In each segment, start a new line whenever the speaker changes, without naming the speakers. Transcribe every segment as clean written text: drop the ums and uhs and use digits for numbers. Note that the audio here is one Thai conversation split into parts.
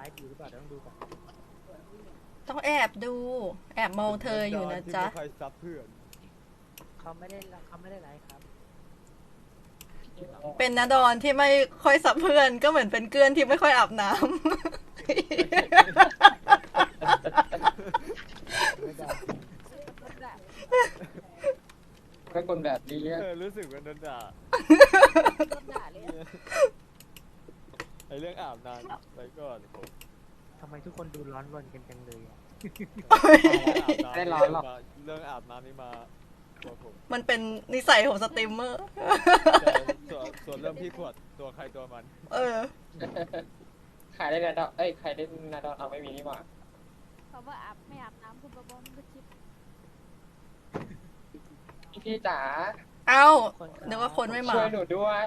ฟ์อยู่หรือเปล่าต้องดูก่อน
ต้องแอบดูแอบมองเธออยู่นะจ๊ะ
ใครซับเพื่อน
เขาไม่ได้ไลฟ์ครับ
เป็นนาดอนที่ไม่ค่อยสับเพื่อนก็เหมือนเป็นเกลือนที่ไม่ค่อยอาบน้ำ
ก็คนแบบนี้
รู้สึกว่าโดนด่าไอเรื่องอาบน้ำไปก่อนผม
ทำไมทุกคนดูร้อนรนกันจังเลย
ได้ร้อนหรอก
เรื่องอาบน้ำนี่มาตัวผม
มันเป็นนิสัยของสตรีมเมอร์
ส่วนเรื่องพี่ขวดตัวใครตัวมัน
ขายได้นาดอนขายได้นาดอนเอาไม่มีนี่หว่า
เขาว่าไม่อาบน้ำคุณบอมก็คิด
พี่จ๋า
เอ้านึกว่าคนไม่มา
ช่วยหนูด้วย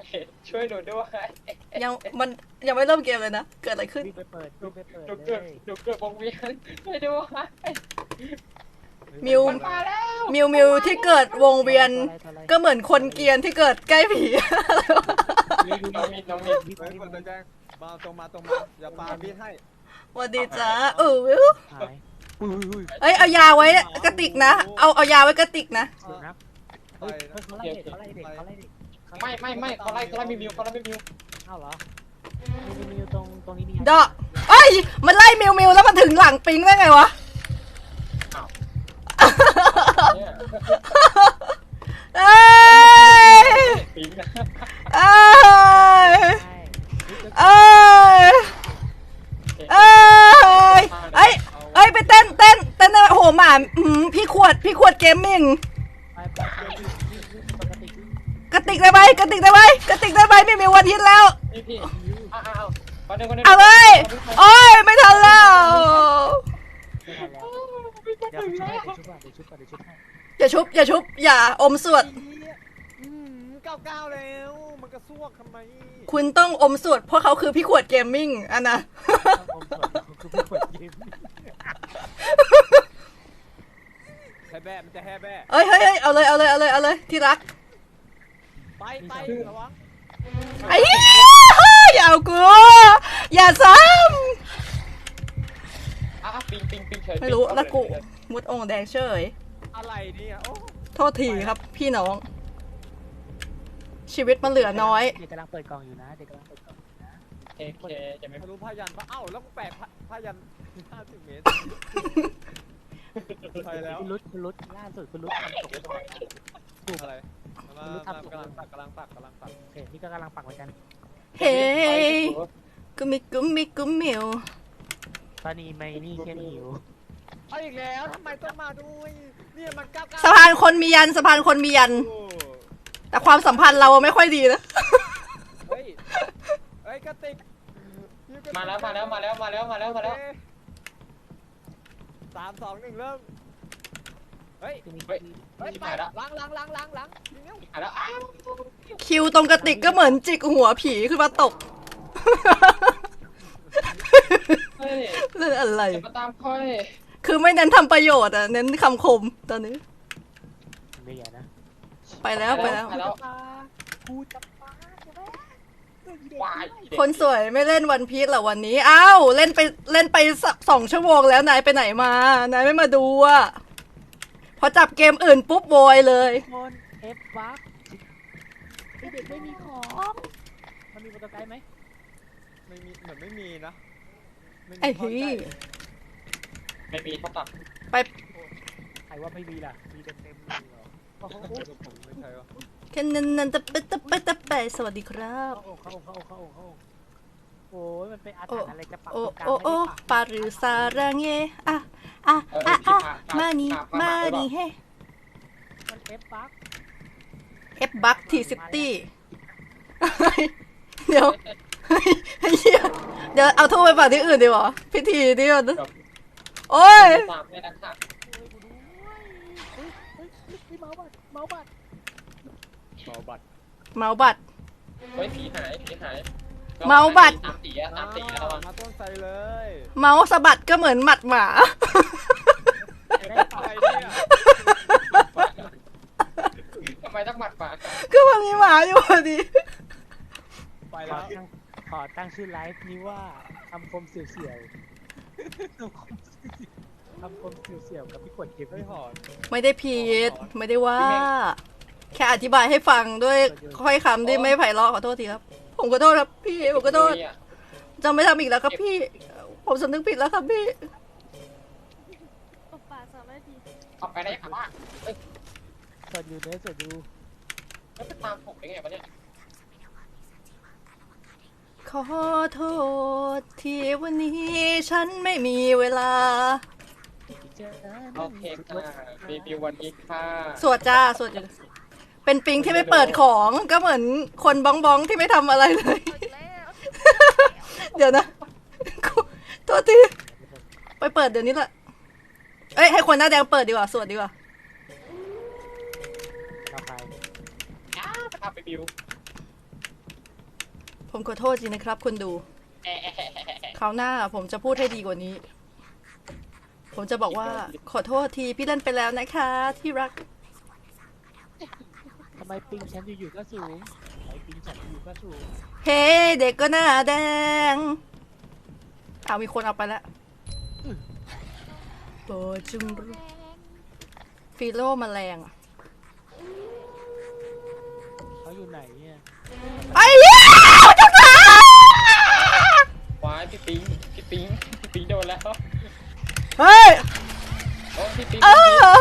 ยังไม่เริ่มเกมเลยนะเกิดอะไรขึ้น
ไปเปิด
หนูเกิดวงเวียนช่วยด้วย
มิวที่เกิดวงเวียนก็เหมือนคนเกรียนที่เกิดใกล้ผี
น้องมิน
คนแจ้งมาตรงมาอย่าปาบีให้
สวัสดีจ้าวิวเอ้ยเอายาไว้กระติกนะเอายาไว้กระติกนะ
เขาไล่เด็ก
ไม่เขาไล่มิว
อ้าวเหรอมิวตรงนี้มี
ดอกเอ้ยมันไล่มิวแล้วมันถึงหลังปิงได้ไงวะเอ้ยไปเต้นโอ้โหหมาพี่ขวดเกมมิ่งกระติกได้ไหมไม่มีวันฮิตแล้วเอาเลยโอ้ยไม่ทันแล้วอย่าชุบอย่าอมสวด
99แล้วมันกระซวกทำไม
คุณต้องอมสวดเพราะเขาคือพี่ขวดเกมมิ่งอันนะ
แฮแบ้มันจะแฮแบ้
เฮ้ยเอาเลยที่รัก
ไประวัง
ไอ้อย่าเอากูอย่าซ้
ำ
ไม่รู้แล้วกูมุดองแดงเฉย
อะไรเนี่ย
โทษทีครับพี่น้องชีวิตมันเหลือน้อย
เด็กกำลังเปิดกล่องอยู่นะ
จะไม่
รู้พยันปะแล้วกูแปะพยัน50 เมตรไปแล้ว
คุณรุดล่าสุดคุณรุดทำตก
ถูกอะไรกำลังปัก
นี่ก็กำลังปักเหมือนกัน
เฮ้กุมิว
ตอนนี้ไม่นี่แค่นี้อยู่
อีกแล้วทำไมต้องมาด้วยเนี่ยมัน
สะพานคนมียันแต่ความสัมพันธ์เราไม่ค่อยดีนะ
เฮ้ยกระติก
มาแล้ว3 2 1เริ่ม
ไปล้าง
แล้ว
คิวตรงกระติกก็เหมือนจิกหัวผีขึ้นมาตกเรื่องอะไร
มาตามค่อย
คือไม่เน้นทำประโยชน์เน้นคำคมตอนนี้
ไม่ใหญ่นะ
ไปแล้วคนสวยไม่เล่นวันพีชเหรอวันนี้อ้าวเล่นไป2 ชั่วโมงแล้วนายไปไหนมานายไม่มาดูพอจับเกมอื่นปุ๊บโวยเลย
คนเอฟบัคเด็กไม่มีของมันมีโปรโตไกด์ไหม
ไม่มีเหมือนไม่มีนะ
ไอ้พี่
ไม่มีเขาตัด
ไป
ใครว่าไม่มีล่ะมีเต็มเลยเหรอ
ไม่ใช่วะ
แค่นั้นตะไปสวัสดีครับ
โอ้ยมันเป็นอาถรรพ์อะไรจะปักกลาง
โอ้ปารือซารังเย่มานี่เฮ้
มันเ
เอฟบัคทีซิตี้เดี๋ยวเอาทูบไปฝากที่อื่นดีกว่าพิธีนี่มันโอ้ย
เมาบัต
เฮ้ยผีหาย
เมาบัตร
3 สีแล้ว
มาต้นใส่เลย
เมาสะบัดก็เหมือนหมัดหมา
ทำไมต้องหมัดหมา
ก็มันมีหมาอยู่พอดี
ไปแล้ว
ขอตั้งชื่อไลฟ์นี้ว่าคำคมเสี่ยวๆคำคมเสี่ยวๆกับพี่ขวดเก็บ
เฮ้ยหอน
ไม่ได้ผิดไม่ได้ว่า แค่อธิบายให้ฟังด้วยค่อยคำที่ไม่ไพเราะขอโทษทีครับ ผมขอโทษครับพี่ผมขอโทษ
เนี่ย
จะไม่ทำอีกแล้วครับพี่ ผมสำนึกผิดแล้วครับพี่
ตบปาก2 นาที
ออกไปได้ค่ะว่าเอ้ย
สดอยู่เนื้อสดอยู่
แล้วไปตามผมได้ไงวะเนี่ย
ขอโทษที่วันนี้ฉันไม่มีเวลา
โอเคค่ะรีวิววันนี้ค่ะ
สวดจ้าสวดอยู่เป็นปิงที่ไม่เปิดของก็เหมือนคนบ้องบ้องที่ไม่ทำอะไรเลย
หมดแล้ว
เดี๋ยวนะตัวทีไปเปิดเดี๋ยวนี้แหละเอ้ยให้คนหน้าแดงเปิดดีกว่าสวดดีกว่า
เราใคร
อ้าไปทำรีวิว
ผมขอโทษจริงนะครับคุณดู
แอะแอะแอะแอะแอะ
คราวหน้าผมจะพูดให้ดีกว่านี้ ผมจะบอกว่าขอโทษทีพี่เล่นไปแล้วนะคะที่รัก
ทำไมปิงฉันอยู่ๆก็สูงไอปิงฉันอยู่ก็สูง
เฮ้เด็กก็หน้าแดงเอามีคนเอาไปแล้วโบจุมรุฟิโลแมลงอะ
เขาอยู่ไหนเนี่ย
ไอ้เหี้ยจังหวะ
ว้ายพี่ปิ๊งโดนแล้ว
เฮ้ย
โอ้พี่ปิ๊ง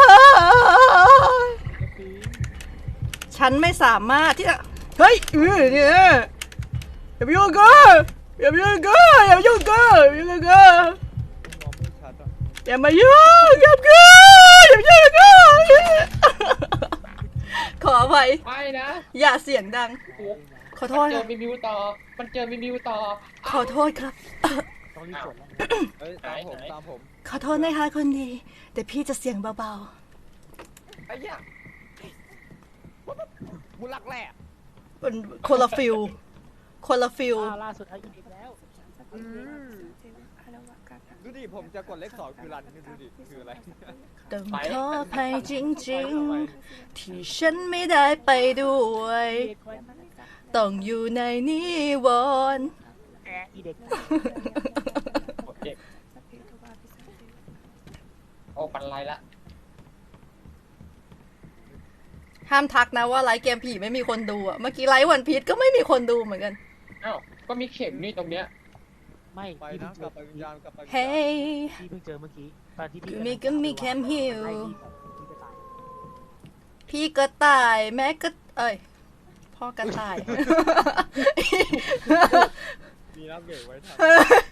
ปิง
ฉันไม่สามารถที่จะเฮ้ยเนี่ยอย่าไปยุ่งกันอย่าไปยุ่งกันอย่าไปยุ่งกันอย่าไปยุ่งกัน
มองไม่ชัดอ่ะ
อย่ามายุ่งอย่ามายุ่งอย่ามายุ่งกันขออภัย
ไม่นะ
อย่าเสียงดัง
โอ้
ขอโท
มั
ษ
นเจ
ค
อ
รับ
รีวิวต่อ มันเจอรีวิวต่อ
ขอโทษครับ
ต้องรีบสวนแล้ว
เฮ้ยตามผมตามผม
ขอโทษนะคะคนดี แต่พี่จะเสียงเบา
ไอ้เหี้ยบุลักแหล่
ๆเป็นคนละฟิลคนละฟิล
ล่าสุดเอาอีกแล้ว
ดูดิผมจะกดเลข2คือรันดูดิคืออะไร
ต้องขออภัยจริงๆ ที่ฉันไม่ได้ไปด้วย ต้องอยู่ในนิวรณ์
แอะอีเด็ก
เด็กโอ้ปันไรละ
ห้ามทักนะว่าไลฟ์เกมผีไม่มีคนดูอะเมื่อกี้ไลฟ์วันพีชก็ไม่มีคนดูเหมือนกัน
อ้าว ก็มีเข็มนี่ตรงเนี้ย
ไม่
ไป
พี่
นะ
เพิ่งเจ
กลั
อบ
ไปวิญญาณกลับไปวิญญาณ
เฮ้ย
พี่เพิ่งเจอเมื่อกี้ตอนที่พี่
ก็มีแคมฮิล
ไล่พี่แบบพี่ไปตาย
พี่ก็ตายแม่ก็เอ้ยพ่อก็ตาย
มีน้ำเบรกไว้ทัน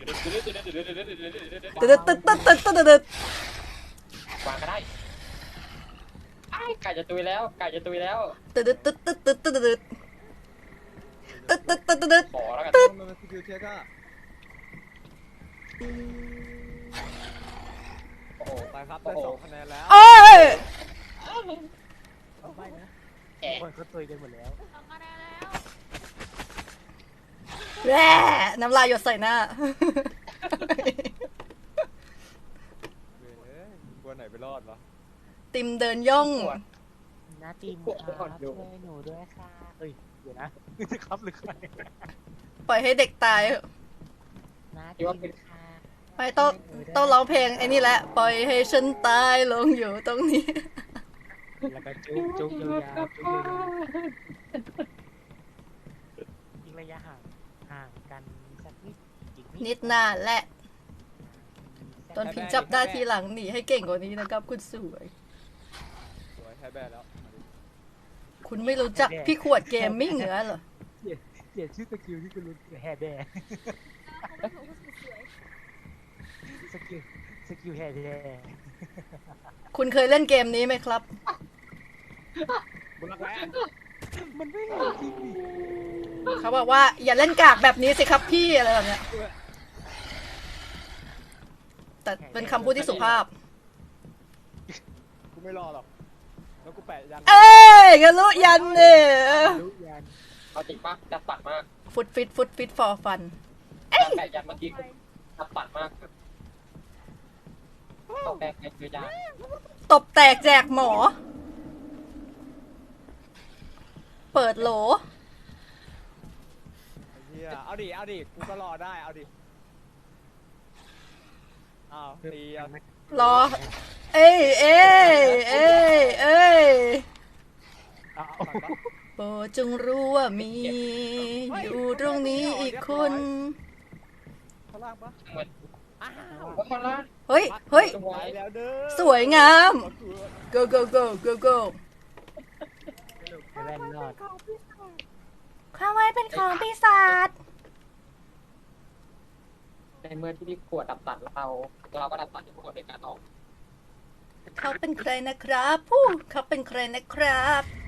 ตึ๊ดตึ๊ดตึ๊ดตึ๊ดตึ๊ดตึ๊ด
วางก็ได้ไอ้ไก่จะตุยแล้ว ไก่จะตุยแล้ว
ตึ๊ดตึ๊ดตึ๊ดตึ๊ดตึ๊ดตึ๊ดตึ๊ดตึ๊ดตึ๊ดตึ๊ด
ขอแล้วกัน
มันเป็นสกิลเทสอะ
โอ้โห
ไปครับได้2คะแนนแล้ว
โอ้ย
ไม่นะ
แอะ
คนเขาตุยกันหมดแล้ว
2 คะแนนแล้ว
แร่น้ำลายหยดใส่หน้า
เว้ยกลัวไหนไปรอดวะ
ติมเดินย่อง
น้าตีมครับช่วยหนูด้วยค่ะเอ้ยเดี๋ยวนะนี่จะครับหรือใคร
ปล่อยให้เด็กตายเถอะ
น้าตีมค่ะ
ไม่ต้องร้องเพลงไอ้นี่แหละ ปล่อยให้ฉันตายลงอยู่ตรงนี้
แล้วก็จุ๊บจุ๊บยาวๆจุ๊บยาวๆทิ้งระยะห่างกันสักนิดอีก
นิดหน้าและตอนพี่จับได้ทีหลังหนีให้เก่งกว่านี้นะครับ คุณสวย
สวยแท้แบนแล้วมาดิ
คุณไม่รู้จักพี่ขวดเกมมิ่งเหรอเหรอ
เปลี่ยนชื่อสกิลที่คุณรู้แฮร์แบร์
เขาบอกว่าสวย
สกิลแฮร์แบร์
คุณเคยเล่นเกมนี้ไหมครับ
บุลักแหล่
มันไม่เหมือนจริงดิ
เขาบอกว่าอย่าเล่นกากแบบนี้สิครับพี่อะไรแบบเนี้ย แต่เป็นคำพูดที่สุภาพ
กูไม่รอหรอกแล้วกูแปะยัน
เอ้ยกันรู้ยันเนี่ย
รู้ยัน
เอาจริงปะจัดปัดมาก
ฟุตฟิตฟอร์ฟัน
แต่ยันเมื่อกี้จัดปัดมากต้องแบกในคือยา
ตบแตกแจกหมอ เปิดโหล
ไอ้เหี้หี้ยเอาดิเอาดิกูก็รอได้เอาดิอ้าวตีอ่ะ
รอ เอ้ยเอ้ยเอ้ยเอ้ย
เอาก่อนปะ
โปรดจงรู้ว่ามี อยู่ตรงนี้อีกคน
ข้างล่างปะ
เหมือน
อ้าว
ว่าคนละ
เฮ้ย เฮ้ย
ไปแล้วเด้อ
สวยงาม go go go go go
จะเล่นรอด
ข้าวไว้เป็นของปีศาจ
ในเมื่อที่พี่ขวดดับตัดเราก็ดับตัดที่ขวดเป็นการออก
เขาเป็นใครนะครับผู้เขาเป็นใครนะครับ